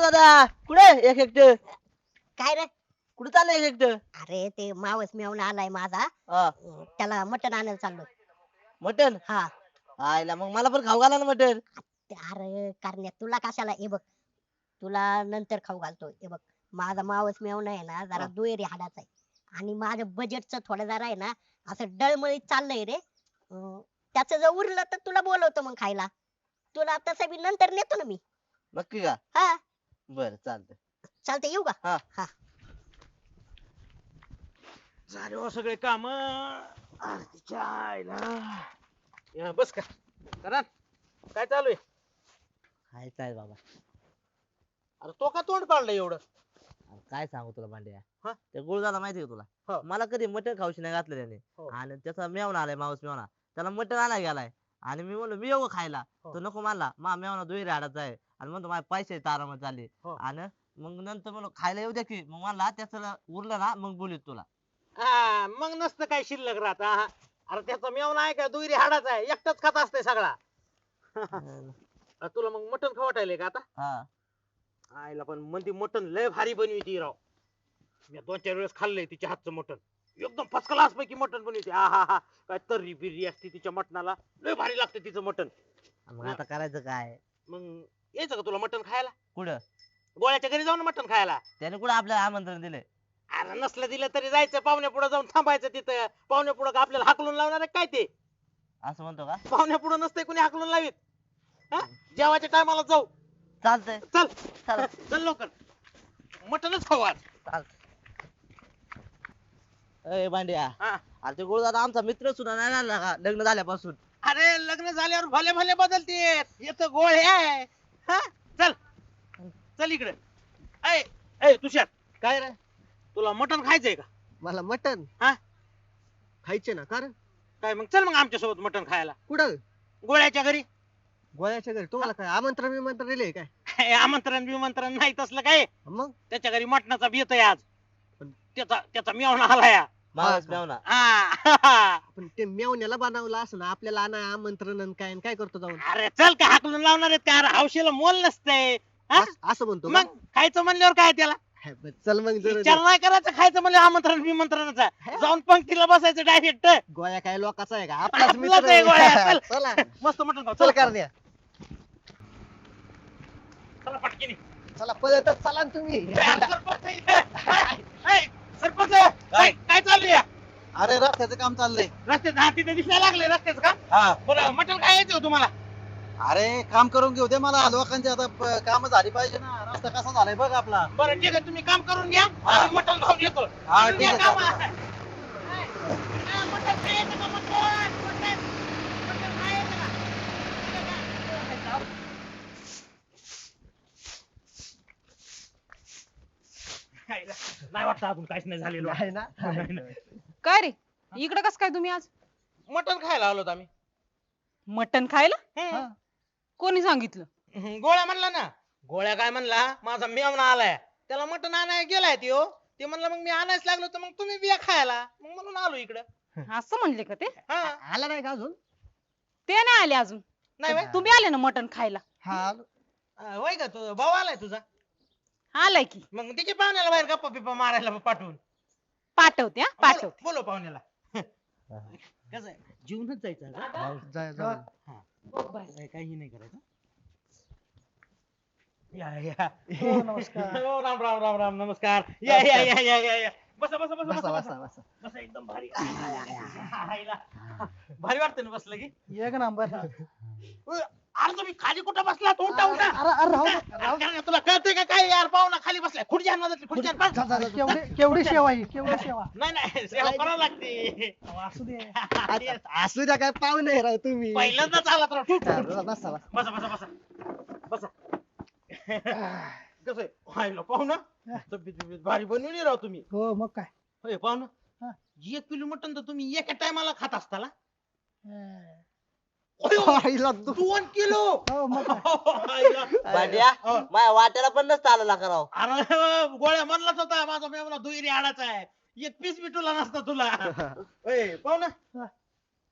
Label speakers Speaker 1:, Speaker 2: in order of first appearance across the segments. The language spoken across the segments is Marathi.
Speaker 1: दादा कुठे एक एकट
Speaker 2: काय रे?
Speaker 1: कुठे चाललंय एक एकट
Speaker 2: अरे ते मावस मेवणा आलाय माझा,
Speaker 1: हा
Speaker 2: त्याला मटण आणायला चाललोय.
Speaker 1: मटन
Speaker 2: हा.
Speaker 1: आयला मग मला पण खाऊ घाला ना मटन.
Speaker 2: अरे करण्या तुला कशाला, हे बघ तुला नंतर खाऊ घालतो. हे बघ माझा मावस मेवणा आहे ना जरा
Speaker 1: हा.
Speaker 2: दुहेरी हाडाचा आहे आणि माझं बजेटचं थोडं जरा आहे ना असं डळमळीत चाललंय रे. त्याचं जर उरलं तर तुला बोलवतो मग खायला. तुला तसं बी नंतर नेतो ना मी.
Speaker 1: नक्की का?
Speaker 2: हा
Speaker 1: बर चालतंय.
Speaker 2: चालतंय, येऊ का?
Speaker 1: हा.
Speaker 2: हा.
Speaker 3: झाले हो सगळे काम. तिच्या आईला या बस का करा. काय चालू आहे?
Speaker 1: खायचं आहे बाबा.
Speaker 3: अरे तो का तोंड काढलं एवढं?
Speaker 1: अरे काय सांगू तुला भांड्या.
Speaker 3: हा?
Speaker 1: ते गुळदादा माहिती का तुला?
Speaker 3: हो.
Speaker 1: मला कधी मटण खाऊशी नाही घातलं त्याने.
Speaker 3: हो.
Speaker 1: आणि त्याचा मेवणा आलाय मावस मेवणा, त्याला मटण आणायला गेलाय. आणि मी म्हणलो मी येऊ का खायला?
Speaker 3: हो.
Speaker 1: तो नको म्हणला, मा मेवणा दुहेरी हाडाचा आहे आणि म्हणतो माझे पैसे आरामात झाले.
Speaker 3: हो.
Speaker 1: आणि मग नंतर म्हणलो खायला येऊ द्या की, मग म्हणला त्याचं उरलं ना मग बोलीत तुला.
Speaker 3: हा मग नसतं काय शिल्लक राहत. अरे त्याचा मेवना आहे का दुहेरी हाडाचा आहे, एकटाच खात असते सगळा. तुला मग मटण खवटायले का आता?
Speaker 1: हा
Speaker 3: आईला पण म्हणते मटण लय भारी बनविती राव. मी 2-4 वेळेस खाल्लंय तिच्या हातचं मटण. एकदम फर्स्ट क्लास पैकी मटण बनविते. हा काय तर्री बिर्री असते तिच्या मटणाला, लय भारी लागते तिचं मटण.
Speaker 1: मग आता करायचं काय?
Speaker 3: मग यायचं का तुला मटण खायला?
Speaker 1: कुठं?
Speaker 3: गोळ्याच्या घरी जाऊन मटण खायला.
Speaker 1: त्याने कुठं आपल्याला आमंत्रण दिलंय?
Speaker 3: अरे नसलं दिलं तरी जायचं, पाहुण्या पुढे जाऊन थांबायचं तिथं. पाहुण्या पुढे का आपल्याला हाकलून लावणार आहे काय ते?
Speaker 1: असं म्हणतो का?
Speaker 3: पाहुण्या पुढे नसतंय कोणी हाकलून लावीत. हा? जेवायच्या टायमाला जाऊ.
Speaker 1: चालतंय.
Speaker 3: चल
Speaker 1: चल
Speaker 3: चल लवकर, मटणच खाऊ आज.
Speaker 1: चालतंय. अय भांड्या,
Speaker 3: हा.
Speaker 1: अरे ते गुळदादा आमचा मित्र सुद्धा नाही राहिला का लग्न झाल्यापासून?
Speaker 3: अरे लग्न झाल्यावर भले भले बदलते. येतं गोळ आहे. हा चल चल इकडे. ऐ ऐ तुषार,
Speaker 4: काय रे?
Speaker 3: तुला मटण खायचंय का?
Speaker 4: मला मटन
Speaker 3: हा?
Speaker 4: खायचे ना. कारण
Speaker 3: काय मग चल मग आमच्या सोबत मटण खायला
Speaker 4: कुठं?
Speaker 3: गोळ्याच्या घरी.
Speaker 4: गोळ्याच्या घरी? तुम्हाला काय आमंत्रण विमंत्रण दिले काय?
Speaker 3: काय आमंत्रण बिमंत्रण नाही तसलं काय.
Speaker 4: मग
Speaker 3: त्याच्या घरी मटणाचा बेत आहे आज.
Speaker 4: पण-
Speaker 3: त्याचा त्याचा मेवणा आलाय.
Speaker 1: मावस
Speaker 4: का?
Speaker 1: मेवणा.
Speaker 3: हा.
Speaker 4: पण ते मेवण्याला बनवलं असं ना, आपल्याला आणा आमंत्रण आणि काय आणि काय करतो जाऊन?
Speaker 3: अरे चल काय हाकलून लावणार आहेत का? अरे हौशीला मोल नसतंय. हा?
Speaker 4: असं म्हणतो का?
Speaker 3: मग खायचं म्हणल्यावर काय त्याला
Speaker 4: हाय, बरं, चल मग जरा
Speaker 3: विचार नाही करायचं. खायचं म्हणलं आमंत्रण बिमंत्रणाचा जाऊन पंक्तीला बसायचं डायरेक्ट.
Speaker 4: गोळ्या काय लोकांचा आहे का? आपलाच
Speaker 3: आपलाच
Speaker 4: मित्र
Speaker 3: आहे गोळ्या,
Speaker 4: आहे.
Speaker 3: चल.
Speaker 4: चला
Speaker 3: मस्त मटण खाऊ.
Speaker 4: चल
Speaker 3: चल
Speaker 4: करण्या.
Speaker 3: चला पटकीने.
Speaker 4: चला पळतच चला ना तुम्ही.
Speaker 3: सरपंच आहे इथे. ऐ, सरपंच काय काय चालू आहे?
Speaker 5: अरे रस्त्याचं काम चाललंय.
Speaker 3: रस्त्यात हा तिथे दिसायला लागले रस्त्याचं का?
Speaker 5: हा
Speaker 3: बरं मटण काय यायचं हो तुम्हाला?
Speaker 5: अरे काम करून घेऊ दे मला. लोकांची आता काम झाली पाहिजे ना. रस्ता कसा झालाय बघ आपला.
Speaker 3: बरं ठीक आहे, तुम्ही काम करून घ्या. आम्ही मटण खाऊन येतो.
Speaker 5: हा,
Speaker 3: करून
Speaker 5: ठीक
Speaker 3: घ्या
Speaker 5: आहे,
Speaker 3: काम.
Speaker 5: चालेल.
Speaker 3: ऐ, ऐ, मटण काय यायचं का? मटण काय यायचं का? नाही वाटतं अजून काहीच नाही झालेलं.
Speaker 4: आहे ना?
Speaker 3: नाही, नाही.
Speaker 6: काय रे इकडं कस काय तुम्ही आज?
Speaker 3: मटण खायला आलोत आम्ही.
Speaker 6: मटण खायला?
Speaker 3: हम्म.
Speaker 6: कोणी सांगितलं?
Speaker 3: गोळ्या म्हणला ना. गोळ्या काय म्हणला, माझा मेवणा आलाय, त्याला मटण आणायला गेलाय त्यो. ते म्हणलं मग मी आणायच लागलो तर मग तुम्ही बिया खायला, मग म्हणून आलो इकडं.
Speaker 6: असं म्हणले का ते?
Speaker 3: हा
Speaker 4: आला नाही का अजून?
Speaker 6: ते नाही आले अजून.
Speaker 3: नाही व्हय?
Speaker 6: तुम्ही आले ना मटण खायला.
Speaker 4: हा आलो.
Speaker 3: होय का, तुझा भाऊ आलाय तुझा?
Speaker 6: आलाय की.
Speaker 3: मग तिच्या पाहुण्याला बाहेर गप्पा बिप्पा मारायला पाठवून
Speaker 6: पाठवते हा पाठवते.
Speaker 3: बोलो पाहुण्याला. कसं आहे, जीवनच जायचं का?
Speaker 4: जा जा.
Speaker 3: काही नाही करायचं. या या हो, नमस्कार. हो, राम राम राम राम नमस्कार. या या या या या या. बसा बसा बसा
Speaker 4: बसा
Speaker 3: बसा
Speaker 4: बसा बसा.
Speaker 3: बसा एकदम भारी. आईला. भारी वाटतं ना बसलं की.
Speaker 4: एक नंबर.
Speaker 3: अरे तुम्ही खाली कुठं बसला? उठा उठा.
Speaker 4: अरे राहू दे.
Speaker 3: तुला कळतंय का काय यार? पाहुणा खाली बसलाय. खुर्ची आण मधातली, खुर्ची आण. बस.
Speaker 4: केवढी सेवा आहे, केवढी सेवा.
Speaker 3: नाही नाही सेवा करावं लागते.
Speaker 4: असू दे. असू द्या, काय पाहुणे राव तुम्ही.
Speaker 3: पहिल्यांदाच आला तर
Speaker 4: बसा बसा.
Speaker 3: बसा बसा बसा बसा. कसं आहे व्हायला पाहुणा? तब्येत बिब्येत भारी बनवली राव तुम्ही.
Speaker 4: हो मग काय.
Speaker 3: होय पाहुणा, 1 किलो मटण तर तुम्ही एका टायमाला खात असताला.
Speaker 4: आईला
Speaker 3: 2 किलो.
Speaker 4: हो मग काय.
Speaker 3: आईला.
Speaker 1: भांड्या
Speaker 3: हो.
Speaker 1: माझ्या वाट्याला पण नसतं आलं करावं.
Speaker 3: अरे गोळ्या म्हणलाच होता माझा मेवना दुहेरी हाडाचा आहे, एक पीस बी तुला नसता तुला. होय पाहुणा,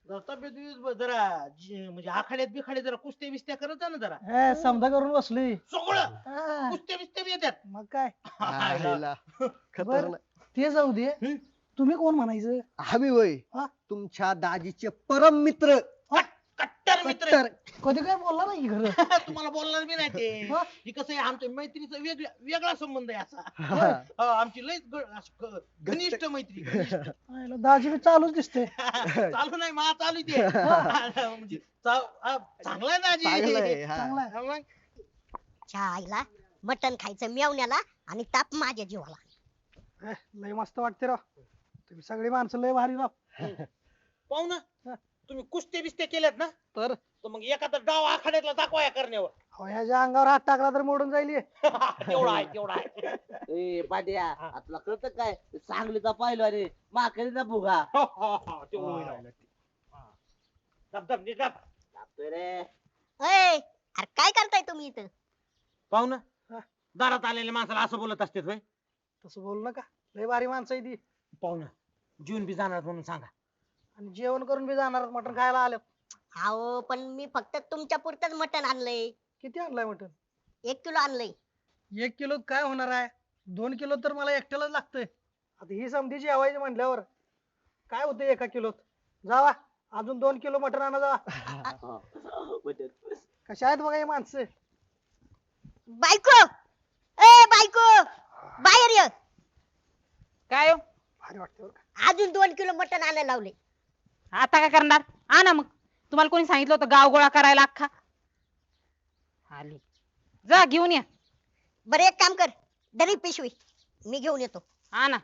Speaker 3: जरा तब्येत जरा म्हणजे आखाड्यात बिखाड्यात जरा कुस्त्या बिस्त्या करत जा ना जरा.
Speaker 7: समजा करून बसलोय
Speaker 3: सगळं
Speaker 7: हा,
Speaker 3: कुस्त्या बिस्त्या बी येतात.
Speaker 7: मग काय
Speaker 4: आयला. खतरनाक.
Speaker 7: ते जाऊ दे
Speaker 3: हम्म.
Speaker 7: तुम्ही कोण म्हणायचं
Speaker 4: आम्ही वय
Speaker 7: हा?
Speaker 4: तुमच्या दाजीचे परम मित्र.
Speaker 3: कट्टर मित्र.
Speaker 4: कट्टर.
Speaker 7: कधी काय बोलला नाही खरं
Speaker 3: तुम्हाला बोलणार बी नाही ते.
Speaker 7: हा?
Speaker 3: ही कसं आहे आमच्या मैत्रीचा वेगळा संबंध आहे असा.
Speaker 4: हा.
Speaker 3: आमची लय घनिष्ठ मैत्री घनिष्ठ.
Speaker 7: आयला दाजी बी चालूच दिसते
Speaker 3: चालू नाही मा चालू ते म्हणजे चांगला आहे ना आजी.
Speaker 4: चांगलं आहे, हा.
Speaker 7: चांगला आहे.
Speaker 3: हा मग.
Speaker 2: च्या आईला मटण खायचं मेवण्याला आणि ताप माझ्या जीवाला.
Speaker 7: लय मस्त वाटते राव तुम्ही सगळी माणसं लय भारी राव
Speaker 3: पाहू ना तुम्ही कुस्त्या बिस्त्या केल्यात ना
Speaker 7: तर
Speaker 3: मग एखादा डाव आखाड्यातला दाखवा करण्यावर.
Speaker 7: अहो, ह्याच्या अंगावर हात टाकला तर मोडून जाईल हे.
Speaker 3: तेवढा आहे तेवढा आहे.
Speaker 1: ए पाट्या आपला कळत काय सांगलीचा पाहिलो अरे माकडीचा भुगा
Speaker 3: तेवढं होईल. धब धब नीट धब.
Speaker 1: लागतोय रे.
Speaker 2: अय अरे काय करताय तुम्ही इथं?
Speaker 3: पाहू ना दारात आलेल्या माणसाला असं बोलत असते होय.
Speaker 7: तसं बोलू नका लय भारी माणसं आहे ती
Speaker 3: पाहू ना जीवन बी जाणार म्हणून सांगा.
Speaker 7: आणि जेवण करून बी जाणार मटण खायला आलं
Speaker 2: अहो पण मी फक्त तुमच्या पुरतच मटण आणलंय.
Speaker 7: किती आणलाय मटण
Speaker 2: 1 किलो आणलंय.
Speaker 7: 1 किलो काय होणार आहे 2 किलो तर मला एकट्यालाच लागतंय आता ही समधी जेवायची म्हटल्यावर काय होतंय 1 किलोत जावा अजून 2 किलो मटण आणा जावा कशा आहेत बघा ही माणसं
Speaker 2: बायको ए बायको बाहेर ये.
Speaker 6: काय हो?
Speaker 7: भारी वाटते बरं का
Speaker 2: अजून 2 किलो मटण आणायला लावले.
Speaker 6: आता काय करणार आणा मग तुम्हाला कोणी सांगितलं होतं गाव गोळा करायला अख्खा आली जा घेऊन या
Speaker 2: बरं एक काम कर दरी पिशवी मी घेऊन येतो.
Speaker 6: आणा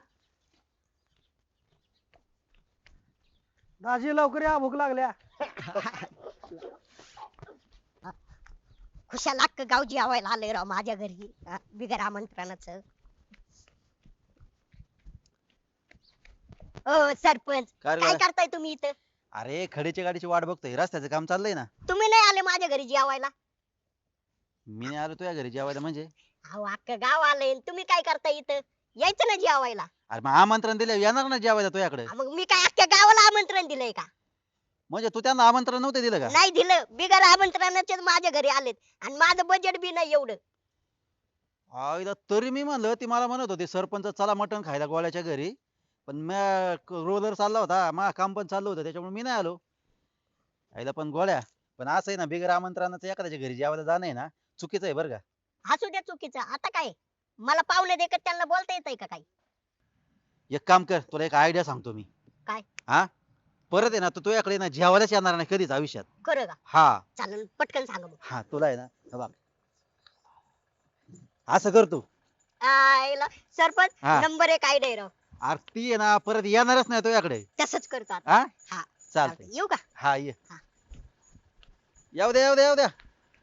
Speaker 7: दाजी लवकर या भूक लागल्या
Speaker 2: खुशाल अख्खं गाव जेवायला आलंय राव माझ्या घरी बिगर आमंत्रणाचं. ओ सरपंच
Speaker 5: काय रे
Speaker 2: काय
Speaker 5: बाळा?
Speaker 2: करताय तुम्ही इथं?
Speaker 5: अरे खडीच्या गाडीची वाट बघतोय रस्त्याचं काम चाललंय ना
Speaker 2: तुम्ही नाही आले माझ्या घरी जेवायला?
Speaker 5: मी नाही आलो तुझ्या घरी जेवायला म्हणजे
Speaker 2: अहो अख्खं गाव आलंय तुम्ही काय करताय इथं? यायचं ना जेवायला.
Speaker 5: अरे मग आमंत्रण दिलं येणार ना जेवायला तुझ्याकडे
Speaker 2: मग मी काय अख्ख्या गावाला आमंत्रण दिलंय का?
Speaker 5: म्हणजे तू त्यांना आमंत्रण नव्हतं दिलं का
Speaker 2: नाही दिलं बिगर आमंत्रणाचेच माझ्या घरी आलेत आणि माझं बजेट बी नाही एवढं.
Speaker 5: आईला तरी मी म्हणलं ती मला म्हणत होती सरपंच चला मटण खायला गोळ्याच्या घरी पण रोलर चालला होता मा काम पण चाललं होतं त्याच्यामुळे मी नाही आलो आईला पण गोळ्या पण असं आहे ना बिगर आमंत्रणाचं एखाद्याच्या घरी जेवायला जाणं आहे ना चुकीचं आहे बरं का
Speaker 2: हसू द्या चुकीचं आता काय मला पाहुणे देखत त्यांना बोलता येतंय का काही?
Speaker 5: एक काम कर तुला एक आयडिया सांगतो मी
Speaker 2: काय?
Speaker 5: हा परत आहे ना तू तुझ्याकडे ना जेवायलाच येणार नाही कधीच आयुष्यात
Speaker 2: खरं का?
Speaker 5: हा
Speaker 2: चालेल पटकन सांगा मग.
Speaker 5: हा तुला आहे ना हे बघ असं कर तू
Speaker 2: आयला सरपंच
Speaker 5: हा.
Speaker 2: नंबर 1 आयडिया आहे राव.
Speaker 5: आरती आहे ना परत येणारच नाही तुझ्याकडे
Speaker 2: तसंच करतो आता.
Speaker 5: हा
Speaker 2: हा
Speaker 5: चालतंय
Speaker 2: येऊ का?
Speaker 5: हा ये
Speaker 2: हा.
Speaker 5: येऊ द्या येऊ द्या येऊ द्या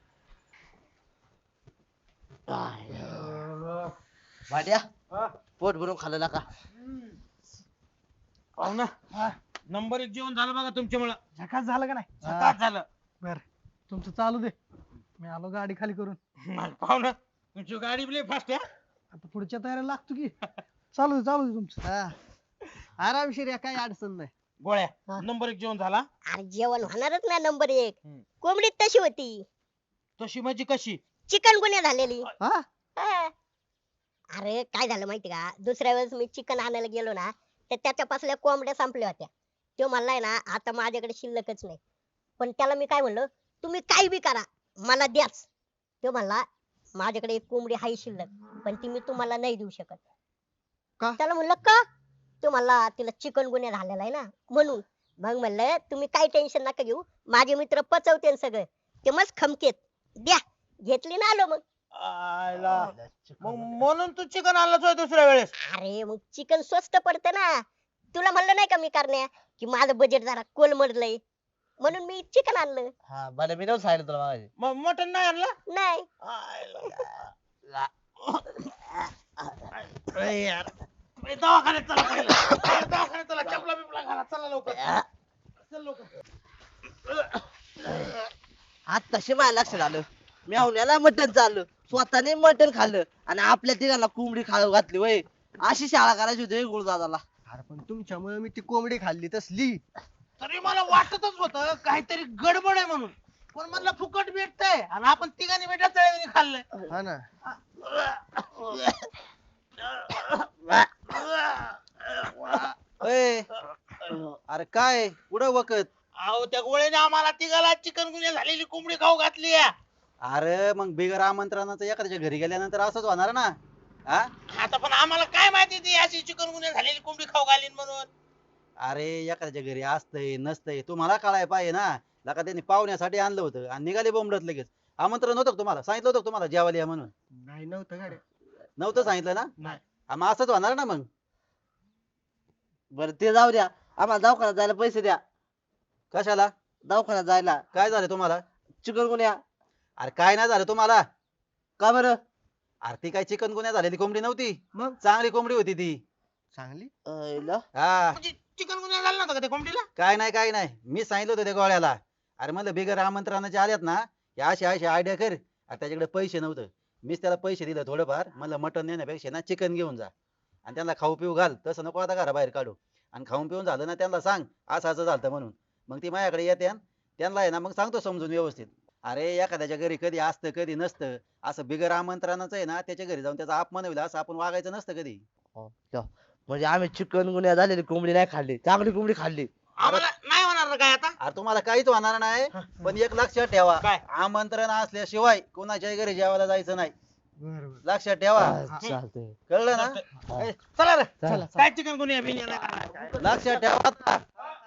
Speaker 1: भाट्या
Speaker 3: हा.
Speaker 1: पोट भरून खाल्लं का
Speaker 3: पाहू ना नंबर 1 जेवण झालं बघा तुमच्यामुळं.
Speaker 7: झकास झालं का नाही
Speaker 3: झकास झालं.
Speaker 7: बर तुमचं चालू दे मी आलो गाडी खाली करून
Speaker 3: पाहू ना तुमची गाडी बी लय फास्ट आहे.
Speaker 7: आता पुढच्या तयारीला लागतो की चालू दे तुमचं
Speaker 4: हा. आरामशीर या काही अडचण नाही.
Speaker 3: गोळ्या
Speaker 2: हा.
Speaker 3: नंबर 1 जेवण झाला.
Speaker 2: अरे जेवण होणारच ना नंबर 1.
Speaker 3: हम्म.
Speaker 2: कोंबडी तशी होती
Speaker 3: तशी म्हणजे कशी
Speaker 2: चिकन गुन्हे झालेली.
Speaker 4: हा
Speaker 2: हा. अरे काय झालं माहिती का दुसऱ्या वेळेस मी चिकन आणायला गेलो ना तर त्याच्यापासल्या कोंबड्या संपल्या होत्या. तो म्हणलाय ना आता माझ्याकडे शिल्लकच नाही. पण त्याला मी काय म्हणलं तुम्ही काही बी करा मला द्याच. तो म्हणला माझ्याकडे एक कोंबडी हाय शिल्लक पण ती मी तुम्हाला नाही देऊ शकत.
Speaker 4: का?
Speaker 2: त्याला म्हणलं का? तो म्हणला तिला चिकन गुन्हे झालेला आहे ना म्हणून. मग म्हणलं तुम्ही काही टेन्शन नका घेऊ माझे मित्र पचवते सगळं ते मस्त खमकेत द्या. घेतली ना आलो मग.
Speaker 3: आयला मग म्हणून तू चिकन आणलंच होय दुसऱ्या वेळेस.
Speaker 2: अरे मग चिकन स्वस्त पडतं ना. तुला म्हणलं नाही का मी करण्या की माझं बजेट जरा कोलमडलंय म्हणून मी चिकन आणलं.
Speaker 1: हा बरं मी नव्हतं सांगितलं तुला मागाशी.
Speaker 3: मग मटन नाही आणलं.
Speaker 2: नाही
Speaker 3: अरे यार ए, दवाखान्यात चला पहिलं. दवाखान्यात चला चपला बिपला घाला चला लवकर चल लवकर.
Speaker 1: आज तसे माझ्या लक्षात आलं मेहुण्याला मटण चाललं स्वतःने मटण खाल्लं आणि आपल्या तिघांना कोंबडी खाऊ घातली वय अशी शाळा करायची होती गुरुदादाला.
Speaker 4: अरे पण तुमच्यामुळे मी ती कोंबडी खाल्ली तसली.
Speaker 3: तरी मला वाटतच होत काहीतरी गडबड आहे म्हणून. पण म्हणलं फुकट भेटतंय आणि आपण तिघांनी बेटा तळ्याने खाल्लंय.
Speaker 4: हा ना.
Speaker 5: ए, अरे काय कुठं वकत?
Speaker 3: अहो त्या गोळ्याने आम्हाला तिघाला चिकनगुन्या झालेली कोंबडी खाऊ घातली आहे.
Speaker 5: अरे मग बिगर आमंत्रणाचं एखाद्याच्या घरी गेल्यानंतर असंच होणार ना. हा
Speaker 3: आता पण आम्हाला काय माहिती ती अशी चिकनगुन्या झालेली कोंबडी खाऊ घालीन म्हणून.
Speaker 5: अरे एखाद्याच्या घरी असतंय नसतंय तुम्हाला कळाय पाहिजे ना. लका त्यांनी पाहुण्यासाठी आणलं होतं आणि निघाले बोंबलत लगेच. आमंत्रण नव्हतं का तुम्हाला? सांगितलं होतं का तुम्हाला जेवायला या म्हणून?
Speaker 4: नाही नव्हतं गाड्या.
Speaker 5: नव्हतं सांगितलं ना.
Speaker 3: नाही.
Speaker 5: मग असंच होणार ना मग.
Speaker 1: बरं ते जाऊ द्या, आम्हाला दवाखान्यात जायला पैसे द्या.
Speaker 5: कशाला?
Speaker 1: दवाखान्यात जायला.
Speaker 5: काय झालं तुम्हाला?
Speaker 1: चिकनगुन्या.
Speaker 5: अरे काय नाही झालं तुम्हाला?
Speaker 1: का बरं?
Speaker 5: अरे ती काय चिकनगुन्या झालेली कोंबडी नव्हती.
Speaker 4: मग
Speaker 5: चांगली कोंबडी होती ती.
Speaker 4: चांगली.
Speaker 1: अयला.
Speaker 5: हा
Speaker 3: म्हणजे चिकनगुन्या झाला नव्हता का त्या कोंबडीला?
Speaker 5: काय नाही मी सांगितलं होतं त्या गोळ्याला. अरे म्हणलं बिगर आमंत्रणाचे आल्यात ना, या अशी अशी आयडिया कर. अरे त्याच्याकडे पैसे नव्हतं. मीच त्याला पैसे दिले थोडंफार. म्हणलं मटण नेण्यापेक्षा ना चिकन घेऊन जा आणि त्यांना खाऊ पिऊ घाल. तसं नको आता घराबाहेर काढू. आणि खाऊन पिऊन झालं ना त्यांना सांग असं असं झालं म्हणून. मग ती माझ्याकडे येते त्यांना आहे ना मग सांगतो समजून व्यवस्थित. अरे एखाद्याच्या घरी कधी असतं कधी नसतं. असं बिगर आमंत्रणाचं आहे ना त्याच्या घरी जाऊन त्याचा अपमान होईल असं आपण वागायचं नसतं कधी.
Speaker 1: म्हणजे आम्ही चिकनगुन्या झालेली कोंबडी नाही खाल्ली, चांगली कोंबडी खाल्ली.
Speaker 3: आम्हाला नाही होणार ना काय आता.
Speaker 5: अरे तुम्हाला काहीच होणार नाही. पण एक लक्षात ठेवा,
Speaker 3: काय?
Speaker 5: आमंत्रण असल्याशिवाय कोणाच्याही घरी जेवायला जायचं नाही.
Speaker 4: बरोबर.
Speaker 5: लक्षात ठेवा.
Speaker 1: चालतंय.
Speaker 5: कळलं ना?
Speaker 3: चला रे
Speaker 1: चला.
Speaker 3: काय चिकनगुन्या बिन्या नाही खाणार.
Speaker 5: लक्षात ठेवा.